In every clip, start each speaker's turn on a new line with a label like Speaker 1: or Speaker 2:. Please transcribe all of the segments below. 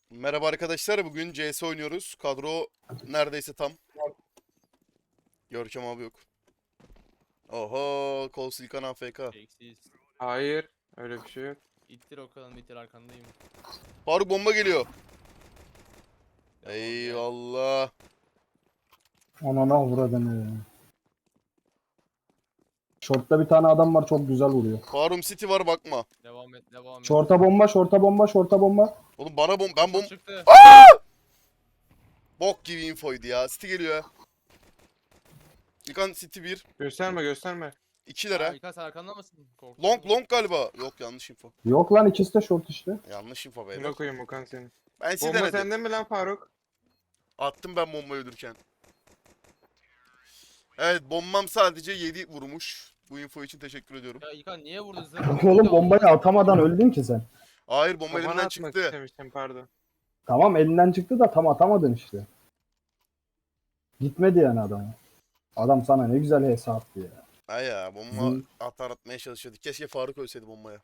Speaker 1: Merhaba arkadaşlar, bugün CS oynuyoruz. Kadro neredeyse tam. Görkem abi yok. Oho, Kol Silkan AFK.
Speaker 2: Eksiz.
Speaker 3: Hayır. Öyle bir şey yok.
Speaker 2: İttir Okan'ım ittir arkandayım.
Speaker 1: Faruk bomba geliyor.
Speaker 2: Devam gel.
Speaker 1: Eyvallah.
Speaker 4: Anana uğradın ya. Short'ta bir tane adam var, çok güzel vuruyor.
Speaker 1: Farum City var, bakma.
Speaker 2: Devam et devam et.
Speaker 4: Short'a bomba, short'a bomba, short'a bomba.
Speaker 1: Oğlum bana ben
Speaker 2: Çıktı.
Speaker 1: bok gibi infoydu ya. City geliyor ya. İlkan City 1.
Speaker 3: Gösterme gösterme.
Speaker 1: 2
Speaker 2: Ha,
Speaker 1: lira.
Speaker 2: İlkan sen arkanda mısın? Korktum.
Speaker 1: Long galiba. Yok, yanlış info.
Speaker 4: Yok lan, ikisi de short işte.
Speaker 1: Yanlış info
Speaker 3: Ne
Speaker 1: beyler.
Speaker 3: koyayım Okan senin.
Speaker 1: Ben City
Speaker 3: Bomba
Speaker 1: denedim.
Speaker 3: sende mi lan Faruk?
Speaker 1: Attım ben bombayı öldürürken. Evet, bombam sadece 7 vurmuş. Bu info için teşekkür ediyorum.
Speaker 2: Ya İlkan niye vurdun sen?
Speaker 4: Oğlum bombayı atamadan öldün ki sen.
Speaker 1: Hayır, bomba
Speaker 3: Kafana
Speaker 1: elimden
Speaker 3: atmak
Speaker 1: çıktı.
Speaker 3: istemiştim pardon.
Speaker 4: Tamam, elinden çıktı da tam atamadın işte. Gitmedi yani adama. Adam sana ne güzel hesap attı ya.
Speaker 1: Ha ya, bomba
Speaker 4: Hı.
Speaker 1: atmaya çalışıyorduk. Keşke Faruk ölseydi bombaya.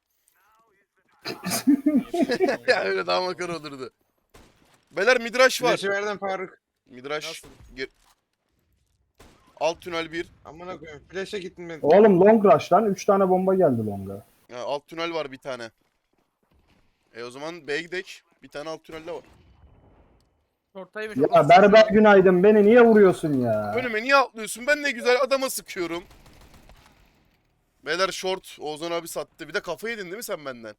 Speaker 2: Niye-
Speaker 1: Ya öyle daha makara olurdu. Beyler midrash var.
Speaker 3: Flash'ı verdim Faruk.
Speaker 1: Midrash.
Speaker 2: Nasıl?
Speaker 1: Alt tünel 1.
Speaker 3: Amına koyayım. Flash'a gittin mi?
Speaker 4: Oğlum long rush lan, 3 tane bomba geldi longa.
Speaker 1: Alt tünel var bir tane. O zaman B'ye gidelim. Bir tane alt tünelde var.
Speaker 2: Ortaymış.
Speaker 4: Ya berber günaydın, beni niye vuruyorsun ya?
Speaker 1: Önüme niye atlıyorsun? Ben ne güzel adama sıkıyorum. Beyler short. Ozan abi sattı. Bir de kafa yedin değil mi sen benden?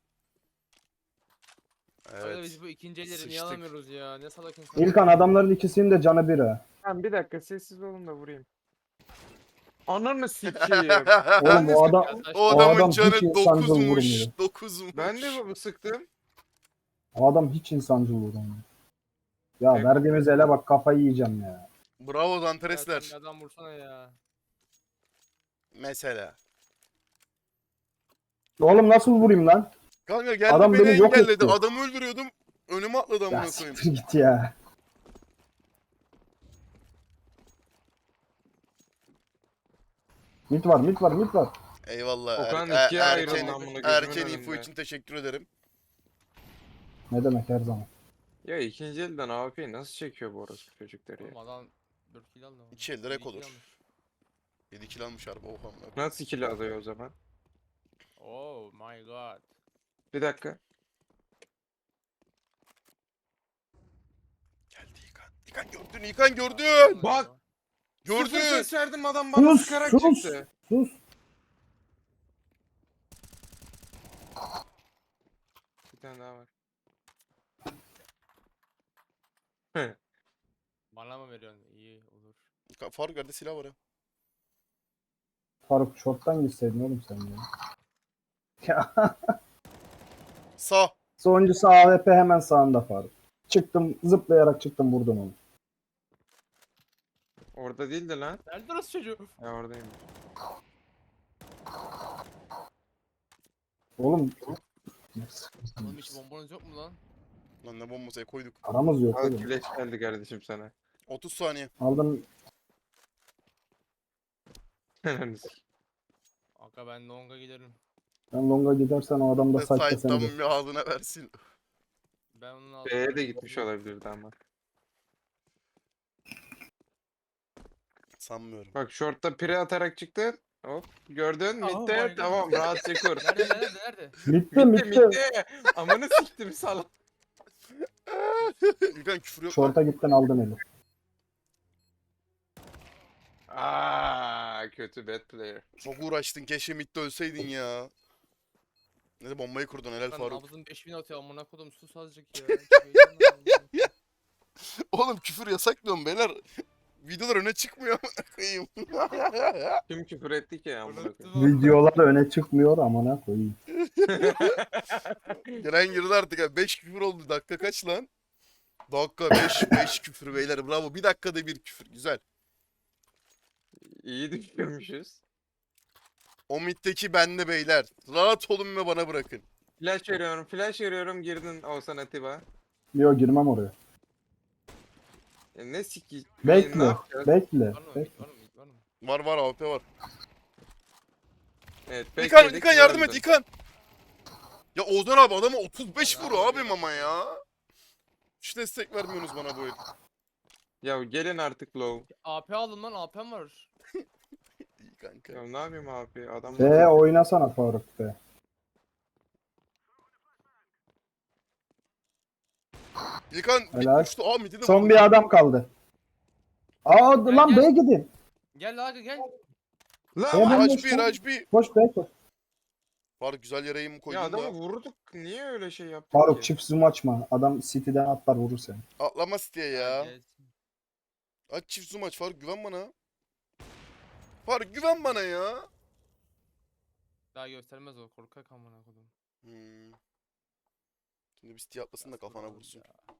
Speaker 2: Evet.
Speaker 1: Evet.
Speaker 2: Biz bu ikinci elleri niye
Speaker 1: Sıçtık.
Speaker 2: alamıyoruz ya? Ne salak insan.
Speaker 4: İlkan, adamların ikisinin de canı bir ha.
Speaker 3: Tamam bir dakika sessiz olun da vurayım. Ananı sikeyim.
Speaker 4: Oğlum o adam,
Speaker 2: Yaklaş.
Speaker 1: O
Speaker 4: O
Speaker 1: adamın
Speaker 4: adam
Speaker 1: canı
Speaker 4: hiç insancıl
Speaker 1: 9'muş.
Speaker 4: vurmuyor.
Speaker 1: 9'muş.
Speaker 3: Ben de bu sıktım.
Speaker 4: o adam hiç insancıl vuramıyor. Ya
Speaker 3: Tek-
Speaker 4: verdiğimiz ele bak, kafayı yiyeceğim ya.
Speaker 1: Bravo
Speaker 2: Ya sen
Speaker 1: Zanteresler.
Speaker 2: bir adam vursana ya.
Speaker 1: Mesela.
Speaker 4: Oğlum nasıl vurayım lan?
Speaker 1: Kanka geldi
Speaker 4: Adam
Speaker 1: beni
Speaker 4: beni yok
Speaker 1: engelledi.
Speaker 4: etti.
Speaker 1: Adamı öldürüyordum. Önüme atladı
Speaker 4: Ya
Speaker 1: amına koyayım.
Speaker 4: siktir git ya. Mit var, mit var, mit var.
Speaker 1: Eyvallah.
Speaker 3: Okan
Speaker 1: Er-
Speaker 3: ikiye
Speaker 1: er-
Speaker 3: ayrıldı
Speaker 1: erken,
Speaker 3: amına gözümün
Speaker 1: erken info
Speaker 3: önünde.
Speaker 1: için teşekkür ederim.
Speaker 4: Ne demek, her zaman.
Speaker 3: Ya ikinci elden AWP'yi nasıl çekiyor bu orospu çocukları ya?
Speaker 2: Oğlum adam 4 kill aldı.
Speaker 1: İki elde
Speaker 2: Yedi
Speaker 1: rek
Speaker 2: kill
Speaker 1: olur.
Speaker 2: almış.
Speaker 1: 7 kill almış harbi. Oha. amına koyayım.
Speaker 3: Nasıl kill alıyor o zaman?
Speaker 2: Oh my god.
Speaker 3: Bir dakika.
Speaker 1: Geldi İlkan. İlkan gördün. İlkan gördün.
Speaker 3: Bak!
Speaker 1: Gördün.
Speaker 3: Sıfır ses verdim adam bana
Speaker 4: Sus,
Speaker 3: sıkarak
Speaker 4: sus.
Speaker 3: çıktı.
Speaker 4: Sus.
Speaker 3: Bir tane daha var.
Speaker 2: Bana mı veriyorsun? İyi olur.
Speaker 1: İlkan, Faruk yerde silah var ya.
Speaker 4: Faruk, short'tan gitseydin oğlum sen ya. Ya
Speaker 1: Sağ.
Speaker 4: sonuncusu AWP, hemen sağında Faruk. Çıktım, zıplayarak çıktım, vurdum onu.
Speaker 3: Orada değildi lan.
Speaker 2: Nerede orası çocuğu?
Speaker 3: Ya oradayım.
Speaker 4: Oğlum
Speaker 2: Oğlum hiç bombanız yok mu lan?
Speaker 1: Lan ne bombası koyduk.
Speaker 4: aramız yok
Speaker 3: Al
Speaker 4: oğlum.
Speaker 3: flash geldi kardeşim sana.
Speaker 1: 30 saniye.
Speaker 4: Aldım.
Speaker 2: Aga ben longa giderim.
Speaker 4: Ben longa gidersen o adam da
Speaker 1: Ve
Speaker 4: saçta
Speaker 1: Sait'tan
Speaker 4: seni de.
Speaker 1: bir ağzına versin.
Speaker 2: Ben onun altına...
Speaker 3: B'ye de gitmiş olabilirdi ama.
Speaker 1: Sanmıyorum.
Speaker 3: Bak short'ta pire atarak çıktı. Hop gördün
Speaker 2: Oh
Speaker 3: midde
Speaker 2: my God.
Speaker 3: tamam rahatça kur.
Speaker 2: Nerede?
Speaker 4: Bitti,
Speaker 3: Midde
Speaker 4: bitti.
Speaker 3: midde. Amanı siktim salak.
Speaker 1: İlkan küfür yok.
Speaker 4: Short'a gittin, aldın eli.
Speaker 3: Aa kötü bad player.
Speaker 1: Çok uğraştın. Keşke midde ölseydin ya. Ne bombayı kurdun helal
Speaker 2: Lan
Speaker 1: Faruk.
Speaker 2: nabzın 5000 atıyor amına kodum sus azıcık ya. Çok heyecanlandım.
Speaker 1: Oğlum küfür yasak diyorum beyler. Videolar öne çıkmıyor amına koyayım.
Speaker 3: Kim küfür etti ki amına koyayım.
Speaker 2: Unuttum.
Speaker 4: Videolar öne çıkmıyor, amına koyayım.
Speaker 1: Giren girdi artık ya. 5 küfür oldu. Dakika kaç lan? Dakika 5 küfür beyler. Bravo. Bir dakikada bir küfür. Güzel.
Speaker 3: İyi düşürmüşüz.
Speaker 1: O middeki bende beyler. Rahat olun ve bana bırakın.
Speaker 3: Flash veriyorum girdin Oğuzhan Atiba.
Speaker 4: Yo, girmem oraya.
Speaker 3: Ne siki?
Speaker 4: Bekle,
Speaker 3: Ne yapacağız?
Speaker 4: bekle.
Speaker 2: Var mı?
Speaker 4: bekle.
Speaker 2: Var mı? Var mı?
Speaker 1: Var var AWP var.
Speaker 3: Evet,
Speaker 1: İlkan,
Speaker 3: bekledik,
Speaker 1: İlkan yardım et
Speaker 3: öldün.
Speaker 1: İlkan. Ya Ozan abi adama 35 vur abim ama ya. hiç destek vermiyorsunuz bana bu el.
Speaker 3: Ya gelin artık low.
Speaker 2: AP aldım lan, AP'm var.
Speaker 1: İyi kanka.
Speaker 3: Ya ne yapayım abi? Adam
Speaker 4: Oynasana Faruk be.
Speaker 1: İlkan
Speaker 4: Helal.
Speaker 1: bitmişti. Aa midi de
Speaker 4: Son
Speaker 1: vurdu.
Speaker 4: bir adam kaldı. Aa
Speaker 2: Gel,
Speaker 4: lan
Speaker 2: gel.
Speaker 4: B'ye gidin.
Speaker 2: Gel aga gel.
Speaker 3: Lan
Speaker 4: Ya ben-
Speaker 1: Raj bir, Raj bir.
Speaker 4: Koş B'ye koş.
Speaker 1: Faruk güzel yere mi
Speaker 3: ya
Speaker 1: koydun
Speaker 3: adamı
Speaker 1: da?
Speaker 3: vurduk. Niye öyle şey yaptık
Speaker 4: Faruk
Speaker 3: ki?
Speaker 4: çift zoom açma. Adam City'den atlar vurur seni.
Speaker 1: Atlamaz diye ya.
Speaker 2: Gel.
Speaker 1: Aç çift zoom aç Faruk güven bana. Faruk güven bana ya.
Speaker 2: Daha göstermez o, korkak amına kodum.
Speaker 1: Hmm. Şimdi bir City atlasın da kafana vursun.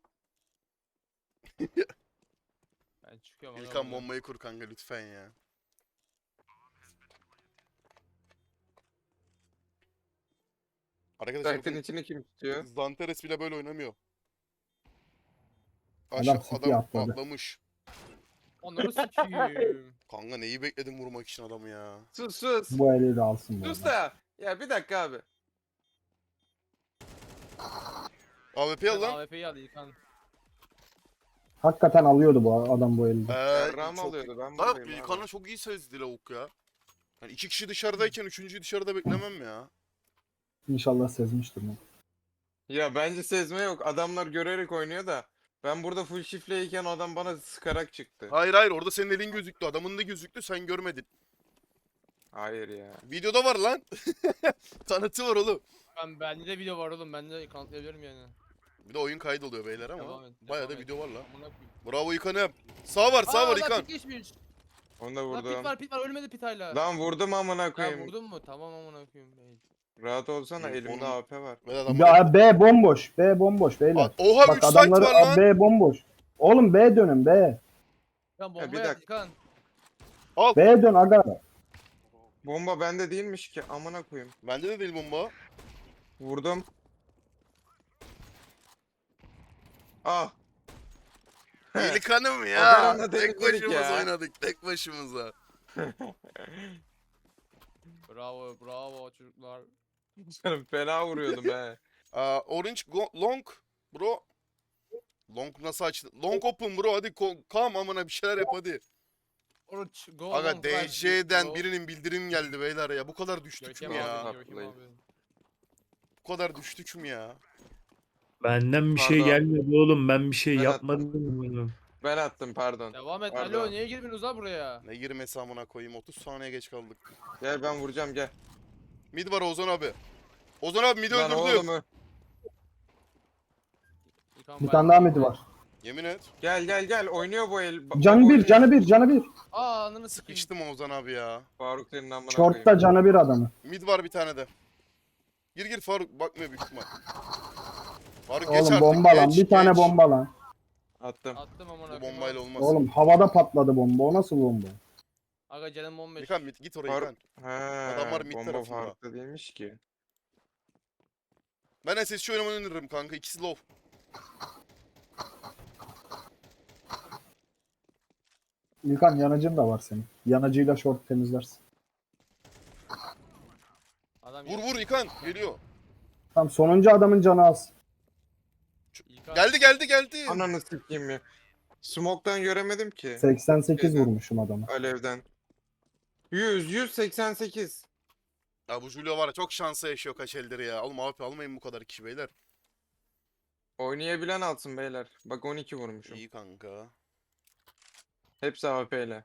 Speaker 2: Ben çıkıyorum aga
Speaker 1: İlkan
Speaker 2: buradan.
Speaker 1: bombayı kur kanka lütfen ya. Arkadaşlar
Speaker 3: Site'ın
Speaker 1: bakın,
Speaker 3: içini kim tutuyor?
Speaker 1: Zanteres bile böyle oynamıyor.
Speaker 4: Adam City'ye atladı.
Speaker 1: atlamış.
Speaker 2: Onları sikiyim.
Speaker 1: Kanka neyi bekledim vurmak için adamı ya.
Speaker 3: Sus sus.
Speaker 4: Bu eli de alsın bu
Speaker 3: Sus
Speaker 4: arada.
Speaker 3: da. Ya bir dakika abi.
Speaker 1: AWP al
Speaker 2: Sen
Speaker 1: lan.
Speaker 2: AWP'yi al İlkan.
Speaker 4: Hakikaten alıyordu bu adam bu elde.
Speaker 3: Ram alıyordu, ben
Speaker 1: Bak
Speaker 3: buradayım
Speaker 1: İlkan'a
Speaker 3: abi.
Speaker 1: çok iyi sezdi lavuk ya. Hani iki kişi dışarıdayken üçüncüyü dışarıda beklemem ya.
Speaker 4: İnşallah sezmiştir bunu.
Speaker 3: Ya bence sezme yok. Adamlar görerek oynuyor da. Ben burada full şifleyken adam bana sıkarak çıktı.
Speaker 1: Hayır hayır orada senin elin gözüktü. Adamın da gözüktü sen görmedin.
Speaker 3: Hayır ya.
Speaker 1: Videoda var lan. Tanıtı var oğlum.
Speaker 2: Bende de video var oğlum, ben de kanıtlayabilirim yani.
Speaker 1: Bir de oyun kaydoluyor beyler ama.
Speaker 2: Devam et,
Speaker 1: Bayağı da
Speaker 2: devam et.
Speaker 1: video var lan.
Speaker 2: Amına koyayım.
Speaker 1: Bravo İlkan'ım. Sağ var sağ var
Speaker 2: lan
Speaker 1: İlkan.
Speaker 2: pit geçmiş.
Speaker 3: Onu da
Speaker 2: Lan
Speaker 3: vurdum.
Speaker 2: pit var ölmedi pit hala.
Speaker 3: Lan vurdum amına
Speaker 2: Ya
Speaker 3: koyayım.
Speaker 2: vurdun mu? Tamam amına koyayım.
Speaker 3: Rahat olsana,
Speaker 1: Onun-
Speaker 3: elimde AP var.
Speaker 1: Ve adam
Speaker 4: Ya B bomboş. B bomboş beyler.
Speaker 1: Oha
Speaker 4: Bak
Speaker 1: 3 site
Speaker 4: adamları
Speaker 1: var lan.
Speaker 4: B bomboş. Oğlum B dönün B.
Speaker 2: Lan
Speaker 3: bir
Speaker 2: bomba yat
Speaker 3: dakika.
Speaker 2: İlkan.
Speaker 4: B dön aga.
Speaker 3: Bomba bende değilmiş ki, amına koyayım.
Speaker 1: Bende de değil bomba.
Speaker 3: Vurdum. Ah.
Speaker 1: İlkan'ım
Speaker 3: O
Speaker 1: ya.
Speaker 3: kadar da
Speaker 1: Tek
Speaker 3: temizledik
Speaker 1: başımıza
Speaker 3: ya.
Speaker 1: oynadık. Tek başımıza.
Speaker 2: Bravo çocuklar.
Speaker 3: Canım fena vuruyordum he.
Speaker 1: Orange long bro. Long nasıl açtı? Long open bro hadi come amına bir şeyler yap hadi.
Speaker 2: Oruç go
Speaker 1: Aga
Speaker 2: long guys,
Speaker 1: DC'den
Speaker 2: go.
Speaker 1: birinin bildirim geldi beyler ya. Bu kadar düştük
Speaker 2: Görkem
Speaker 1: mü ya?
Speaker 2: abi, Görkem abi.
Speaker 1: Bu kadar düştük mü ya?
Speaker 5: Benden bir şey
Speaker 3: Pardon.
Speaker 5: gelmedi oğlum. Ben bir şey
Speaker 3: Ben
Speaker 5: yapmadım. oğlum.
Speaker 3: Ben attım, pardon.
Speaker 2: Devam et.
Speaker 3: Pardon.
Speaker 2: Alo niye girmiyorsunuz ha buraya?
Speaker 1: Ne girmesi amına koyayım 30 saniye geç kaldık.
Speaker 3: Gel ben vuracağım, gel.
Speaker 1: Mid var Ozan abi. Ozan abi mid
Speaker 3: Lan
Speaker 1: öldürdü.
Speaker 3: oğlumu.
Speaker 2: İlkan
Speaker 4: Bir
Speaker 2: ben-
Speaker 4: tane daha midi var.
Speaker 1: Yemin et.
Speaker 3: Gel oynuyor bu el.
Speaker 4: Canı bir,
Speaker 3: oynuyor.
Speaker 4: canı bir, canı bir.
Speaker 2: Aa ananı sikeyim.
Speaker 1: Sıkıştım Ozan abi ya.
Speaker 3: Faruk senin amına
Speaker 4: Short'ta
Speaker 3: koyayım.
Speaker 4: canı bir adamı.
Speaker 1: Mid var bir tane de. Gir Faruk bakmıyor büyük ihtimal. Faruk geç
Speaker 4: Oğlum
Speaker 1: artık.
Speaker 4: bomba lan.
Speaker 1: geç,
Speaker 4: Bir tane
Speaker 1: geç.
Speaker 4: bomba lan.
Speaker 3: Attım.
Speaker 2: Attım amına
Speaker 1: Bu
Speaker 2: koyayım.
Speaker 1: bombayla olmaz.
Speaker 4: Oğlum havada patladı bomba. O nasıl bomba?
Speaker 2: Aga canım 15.
Speaker 1: İlkan mid git oraya
Speaker 3: Faruk.
Speaker 1: İlkan.
Speaker 3: He.
Speaker 1: Adamlar mid
Speaker 3: Bomba
Speaker 1: tarafında.
Speaker 3: Faruk'ta değilmiş ki.
Speaker 1: Ben SSC oynamayı öneririm kanka. İkisi low.
Speaker 4: İlkan yanıcın da var senin. Yanıcıyla short temizlersin.
Speaker 2: Adam
Speaker 1: Vur vur İlkan. Geliyor.
Speaker 4: Tamam sonuncu adamın canı az.
Speaker 2: İlkan.
Speaker 1: Geldi.
Speaker 3: Ananı sikeyim ya. Smoke'tan göremedim ki.
Speaker 4: 88
Speaker 3: Şeyden.
Speaker 4: vurmuşum adamı.
Speaker 3: Alevden. 188.
Speaker 1: Ya bu Julio var ya çok şansa yaşıyor kaç eldir ya. Oğlum AWP almayın bu kadar kişi beyler.
Speaker 3: Oynayabilen alsın beyler. Bak 12 vurmuşum.
Speaker 1: İyi kanka.
Speaker 3: Hepsi AWP ile.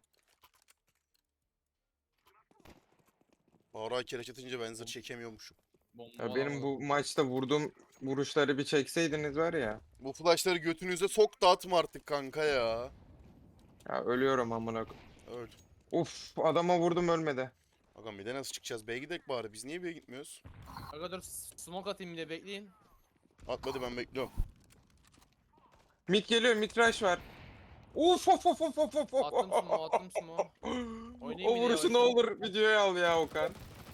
Speaker 1: Bağırağı kereç atınca ben zırh çekemiyormuşum.
Speaker 2: Bomba
Speaker 3: Ya benim
Speaker 2: alamadım.
Speaker 3: bu maçta vurduğum vuruşları bir çekseydiniz var ya.
Speaker 1: Bu flashları götünüze sok da atma artık kanka ya.
Speaker 3: Ya ölüyorum amına koyayım.
Speaker 1: Öl.
Speaker 3: Uf, adama vurdum ölmedi.
Speaker 1: Bakalım bir de nasıl çıkacağız? B'ye gidek bari. Biz niye B'ye gitmiyoruz?
Speaker 2: Aga dur smoke atayım bir de bekleyin.
Speaker 1: Atmadı ben bekliyorum.
Speaker 3: Mid geliyor, mid rush var. Uf of of of of of.
Speaker 2: Attım smoke. Oynayayım
Speaker 3: O
Speaker 2: bir de
Speaker 3: vuruşu ne
Speaker 2: yavaştan.
Speaker 3: olur videoya al ya Okan.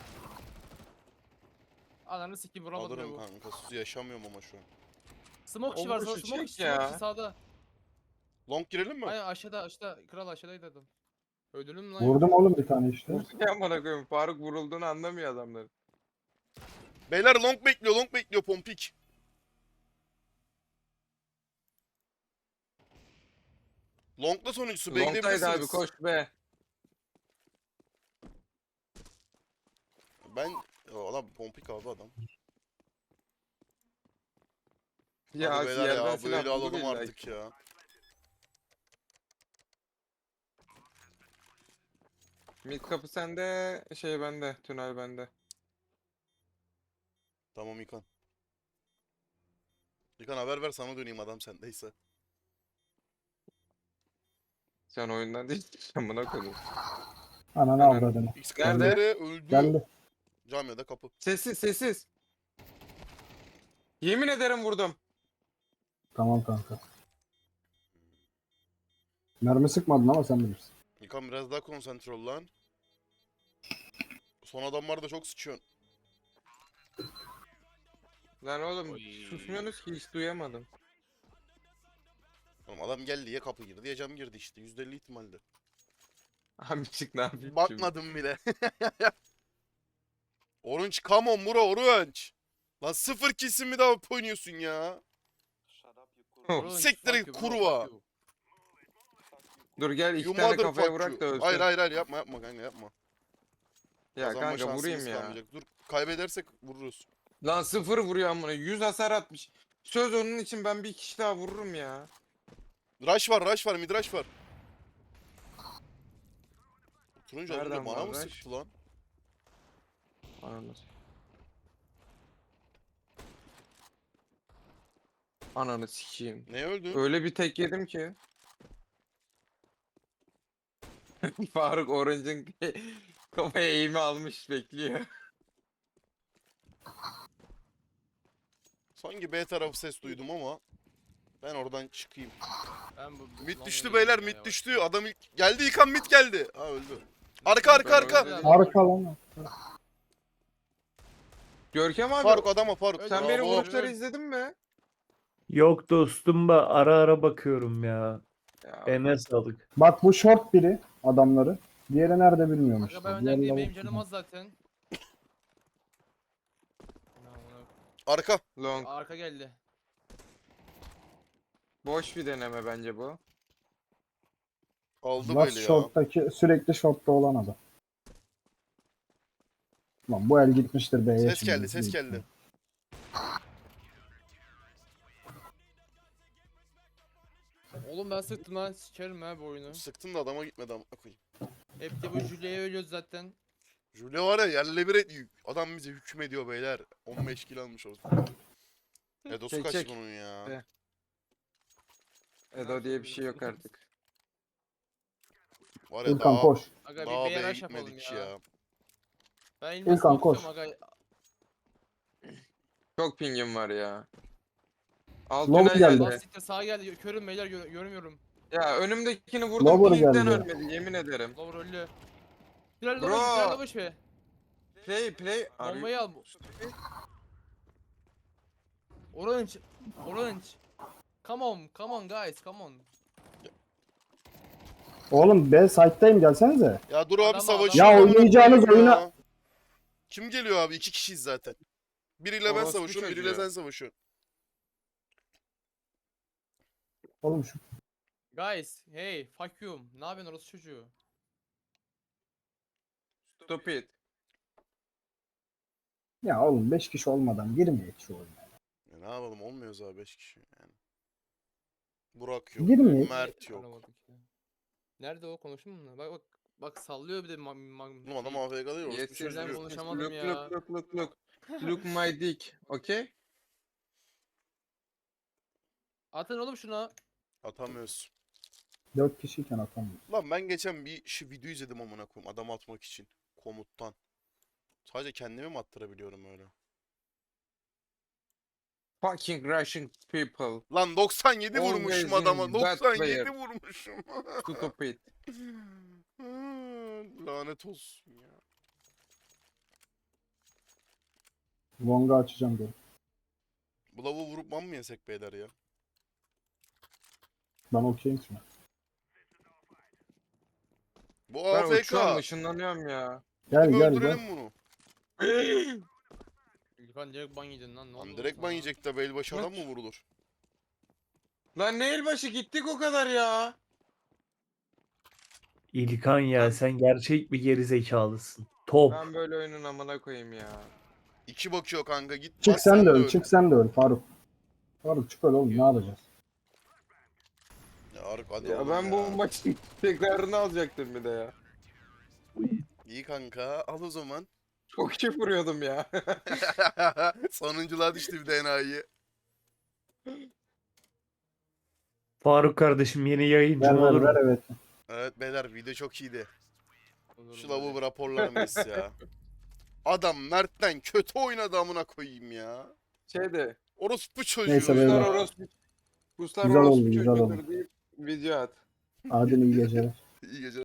Speaker 2: Ananı sikeyim vuramadım ya
Speaker 1: Alırım
Speaker 2: bu.
Speaker 1: kanka. Sus yaşamıyorum ama şu an.
Speaker 2: Smoke
Speaker 3: O
Speaker 2: işi var
Speaker 3: vuruşu
Speaker 2: smoke
Speaker 3: çek
Speaker 2: işi
Speaker 3: ya.
Speaker 2: sağda.
Speaker 1: Long girelim mi?
Speaker 2: Aynen aşağıda kral aşağıdaydı adam. Öldürdün mü lan?
Speaker 4: Vurdum oğlum bir tane işte.
Speaker 3: Ya amına koyayım, Faruk vurulduğunu anlamıyor adamlar.
Speaker 1: Beyler long bekliyor Pompik. Long'da sonuncusu
Speaker 3: Long'daydı
Speaker 1: bekleyebilirsiniz.
Speaker 3: abi koş be.
Speaker 1: Ben adam pompik abi adam.
Speaker 3: Ya
Speaker 1: Hadi beyler
Speaker 3: yerden
Speaker 1: ya bu
Speaker 3: silah
Speaker 1: eli
Speaker 3: bulur
Speaker 1: alalım
Speaker 3: illa
Speaker 1: artık
Speaker 3: ki.
Speaker 1: ya.
Speaker 3: Mid kapı sende, şey bende, tünel bende.
Speaker 1: Tamam İkan. İkan haber ver sana döneyim adam sendeyse.
Speaker 3: Sen oyundan değil, amına koydum.
Speaker 4: Ananı
Speaker 3: Ananı-
Speaker 4: avradını.
Speaker 1: X
Speaker 3: Nerede?
Speaker 1: karakteri öldü.
Speaker 4: Geldi.
Speaker 1: Camiada kapı.
Speaker 3: Sessiz, sessiz. Yemin ederim vurdum.
Speaker 4: Tamam kanka. Mermi sıkmadın ama sen bilirsin.
Speaker 1: İkan biraz daha konsantre ol lan. Son adamlar da çok sıçıyor.
Speaker 3: Lan oğlum
Speaker 2: Oy.
Speaker 3: susmuyorsunuz ki hiç duyamadım.
Speaker 1: Oğlum adam geldi ya kapı girdi ya cam girdi işte. %50 ihtimalle.
Speaker 3: Abi çık ne yapayım şimdi?
Speaker 1: Bakmadım bile. Orange come on bro Orange. Lan 0 kesin mi daha oynuyorsun ya?
Speaker 2: Orange,
Speaker 1: Siktir
Speaker 2: fuck you bro,
Speaker 1: kurva.
Speaker 2: fuck you.
Speaker 3: Dur gel iki
Speaker 1: You
Speaker 3: tane kafaya
Speaker 1: motherfucker.
Speaker 3: vurak da ölsün.
Speaker 1: Hayır hayır hayır yapma yapma kanka yapma.
Speaker 3: Ya
Speaker 1: Kazanma
Speaker 3: kanka
Speaker 1: şansımız
Speaker 3: vurayım ya.
Speaker 1: kalmayacak. Dur kaybedersek vururuz.
Speaker 3: Lan 0 vuruyor amına 100 hasar atmış. Söz onun için ben bir kişi daha vururum ya.
Speaker 1: Rush var mid rush var. Turuncu az önce
Speaker 3: Nereden
Speaker 1: bana
Speaker 3: var
Speaker 1: mı
Speaker 3: rush?
Speaker 1: sıktı lan?
Speaker 3: Ananı. Ananı sikeyim.
Speaker 1: Ne öldü?
Speaker 3: Öyle bir tek yedim ki. Faruk Orange'ın kafaya eğimi almış bekliyor.
Speaker 1: Sanki B tarafı ses duydum ama ben oradan çıkayım.
Speaker 2: Ben bu
Speaker 1: Mid
Speaker 2: lan
Speaker 1: düştü
Speaker 2: bu
Speaker 1: beyler
Speaker 2: yayına
Speaker 1: mid
Speaker 2: ya.
Speaker 1: düştü. Adam ilk geldi yıkan mid geldi. Ha öldü. Arka arka
Speaker 3: Ben
Speaker 1: arka.
Speaker 3: öyle-
Speaker 4: Arka lan.
Speaker 3: Görkem abi
Speaker 1: Faruk adama Faruk.
Speaker 2: Öyle
Speaker 3: sen beni
Speaker 1: Bravo.
Speaker 3: vuruşları izledin mi?
Speaker 5: Yok dostum ba ara ara bakıyorum ya.
Speaker 3: Ya,
Speaker 5: Eline sağlık.
Speaker 4: Bak bu short biri adamları. Diğeri nerede bilmiyorum
Speaker 2: Kanka
Speaker 4: işte.
Speaker 2: ben önden
Speaker 4: Diğeri
Speaker 2: gideyim
Speaker 4: lavuk.
Speaker 2: benim canım az zaten. Ya ona-
Speaker 1: Arka.
Speaker 3: long.
Speaker 2: Arka geldi.
Speaker 3: Boş bir deneme bence bu.
Speaker 1: Aldı
Speaker 4: Last
Speaker 1: böyle ya.
Speaker 4: short'taki sürekli short'ta olan adam. Lan bu el gitmiştir B'ye
Speaker 1: Ses
Speaker 4: şimdi.
Speaker 1: geldi ses geldi.
Speaker 2: Oğlum ben sıktım lan sikerim ha bu oyunu.
Speaker 1: Sıktın da adama gitmedi ama koyayım.
Speaker 2: Hep de bu Julia'ya ölüyoruz zaten.
Speaker 1: Jule var ya yerle bir adam bize hükmediyor beyler. 15 kilo almış olsun. Edosu
Speaker 3: Çek,
Speaker 1: kaç
Speaker 3: çek.
Speaker 1: bunun ya.
Speaker 3: Evet. Edo diye bir şey yok artık.
Speaker 1: Var ya
Speaker 4: İlkan
Speaker 1: daha,
Speaker 4: koş.
Speaker 2: Aga
Speaker 1: daha
Speaker 2: bir
Speaker 1: B'ye
Speaker 2: BRH yapalım
Speaker 1: gitmedik
Speaker 2: ya.
Speaker 1: ya.
Speaker 2: Ben
Speaker 4: İlkan,
Speaker 2: İlkan
Speaker 4: koş.
Speaker 2: koş. Aga.
Speaker 3: Çok pingim var ya. Alt
Speaker 4: Lower
Speaker 3: tünel
Speaker 4: geldi.
Speaker 3: geldi.
Speaker 2: Lastikte sağa geldi. Körüm beyler görmüyorum.
Speaker 3: Ya önümdekini vurdum
Speaker 4: Lower
Speaker 3: pingden
Speaker 4: geldi.
Speaker 3: ölmedi yemin ederim.
Speaker 2: Lower öldü. Tünel
Speaker 3: Bro.
Speaker 2: lower tünel lower be.
Speaker 3: Play.
Speaker 2: Bombayı al. Orange. Orange. Come on guys, come on.
Speaker 4: Oğlum B site'dayım gelsenize.
Speaker 1: Ya dur abi
Speaker 2: Adama-
Speaker 1: savaşıyor.
Speaker 4: Ya
Speaker 1: amına
Speaker 4: oynayacağınız
Speaker 1: koyayım ya.
Speaker 4: oyuna-
Speaker 1: Kim geliyor abi? 2 kişiyiz zaten. Biriyle ben
Speaker 3: Orospu
Speaker 1: savaşıyorum, biriyle
Speaker 3: çocuğu.
Speaker 1: sen savaşıyorsun.
Speaker 4: Oğlum şu
Speaker 2: Guys, hey, fuck you. Ne yapıyorsun orası çocuğu?
Speaker 3: Stop it.
Speaker 4: ya oğlum 5 kişi olmadan girmeyek şu oyuna.
Speaker 1: Ya ne yapalım olmuyoruz abi 5 kişi yani. Burak yok,
Speaker 4: Girmeyek.
Speaker 1: Mert yok.
Speaker 2: Aramadık ya. Nerede o konuştun mu? Bak sallıyor bir de
Speaker 1: Oğlum adam AFK değil orası bir şey
Speaker 2: Yester'den
Speaker 1: diyor.
Speaker 2: konuşamadım
Speaker 3: Look,
Speaker 2: ya.
Speaker 3: look. Look my dick. Okay?
Speaker 2: Atın oğlum şuna.
Speaker 1: Atamıyoruz.
Speaker 4: 4 kişiyken atamıyor.
Speaker 1: Lan ben geçen bir video izledim amına koyayım adam atmak için komuttan. Sadece kendimi mi attırabiliyorum öyle?
Speaker 3: Fucking Russian people.
Speaker 1: Lan 97
Speaker 3: Always
Speaker 1: vurmuşum
Speaker 3: in
Speaker 1: adama.
Speaker 3: that
Speaker 1: 97
Speaker 3: player.
Speaker 1: vurmuşum.
Speaker 3: Stop it.
Speaker 1: Lanet olsun ya.
Speaker 4: Long'u açacağım diyorum.
Speaker 1: Bu lavuğu vurup ban mı yesek beyler ya?
Speaker 4: Ben okeyim şu an.
Speaker 1: Bu
Speaker 3: Ben
Speaker 1: AFK.
Speaker 3: uçuyorum ışınlanıyorum ya.
Speaker 4: Gel
Speaker 1: Gidip
Speaker 4: gel gel.
Speaker 1: öldürelim bunu.
Speaker 2: İlkan direkt ban yedin lan. Ne
Speaker 1: Lan
Speaker 2: oldu
Speaker 1: direkt ban
Speaker 2: sana?
Speaker 1: yiyecek de başı adam
Speaker 3: Maç.
Speaker 1: mı vurulur?
Speaker 3: Lan ne elbaşı gittik o kadar ya.
Speaker 5: İlkan ya sen gerçek bir gerizekalısın. Top.
Speaker 3: Ben böyle oyunun amına koyayım ya.
Speaker 1: 2 bakıyor kanka git.
Speaker 4: Çık
Speaker 1: bas
Speaker 4: sen de öl.
Speaker 1: öl.
Speaker 4: Çık sen de öl Faruk. Faruk çık öl oğlum ne yapacağız?
Speaker 1: Ya Aruk hadi
Speaker 3: Ya
Speaker 1: oğlum
Speaker 3: ben
Speaker 1: ya.
Speaker 3: bu maçın tekrarını alacaktım bir de ya.
Speaker 1: İyi kanka al o zaman.
Speaker 3: Çok iyi vuruyordum ya.
Speaker 1: Sonunculuğa düştü bir de enayi.
Speaker 5: Faruk kardeşim yeni yayıncım
Speaker 4: Ver ver
Speaker 5: olur
Speaker 4: ver
Speaker 5: mu?
Speaker 4: evet.
Speaker 1: Evet beyler video çok iyiydi.
Speaker 2: Olur
Speaker 1: Şu
Speaker 2: böyle.
Speaker 1: lavuğu bir raporlarım biz ya. Adam Mert'ten kötü oynadı amına koyayım ya.
Speaker 3: Şeyde.
Speaker 1: Orospu çocuğu
Speaker 4: Neyse
Speaker 1: ya.
Speaker 4: beyler.
Speaker 3: Kuşlar
Speaker 4: Güzel oldu,
Speaker 3: orospu
Speaker 4: güzel
Speaker 3: çocuğudur
Speaker 4: oldu.
Speaker 3: deyip video at.
Speaker 4: Adil iyi geceler.
Speaker 1: İyi geceler.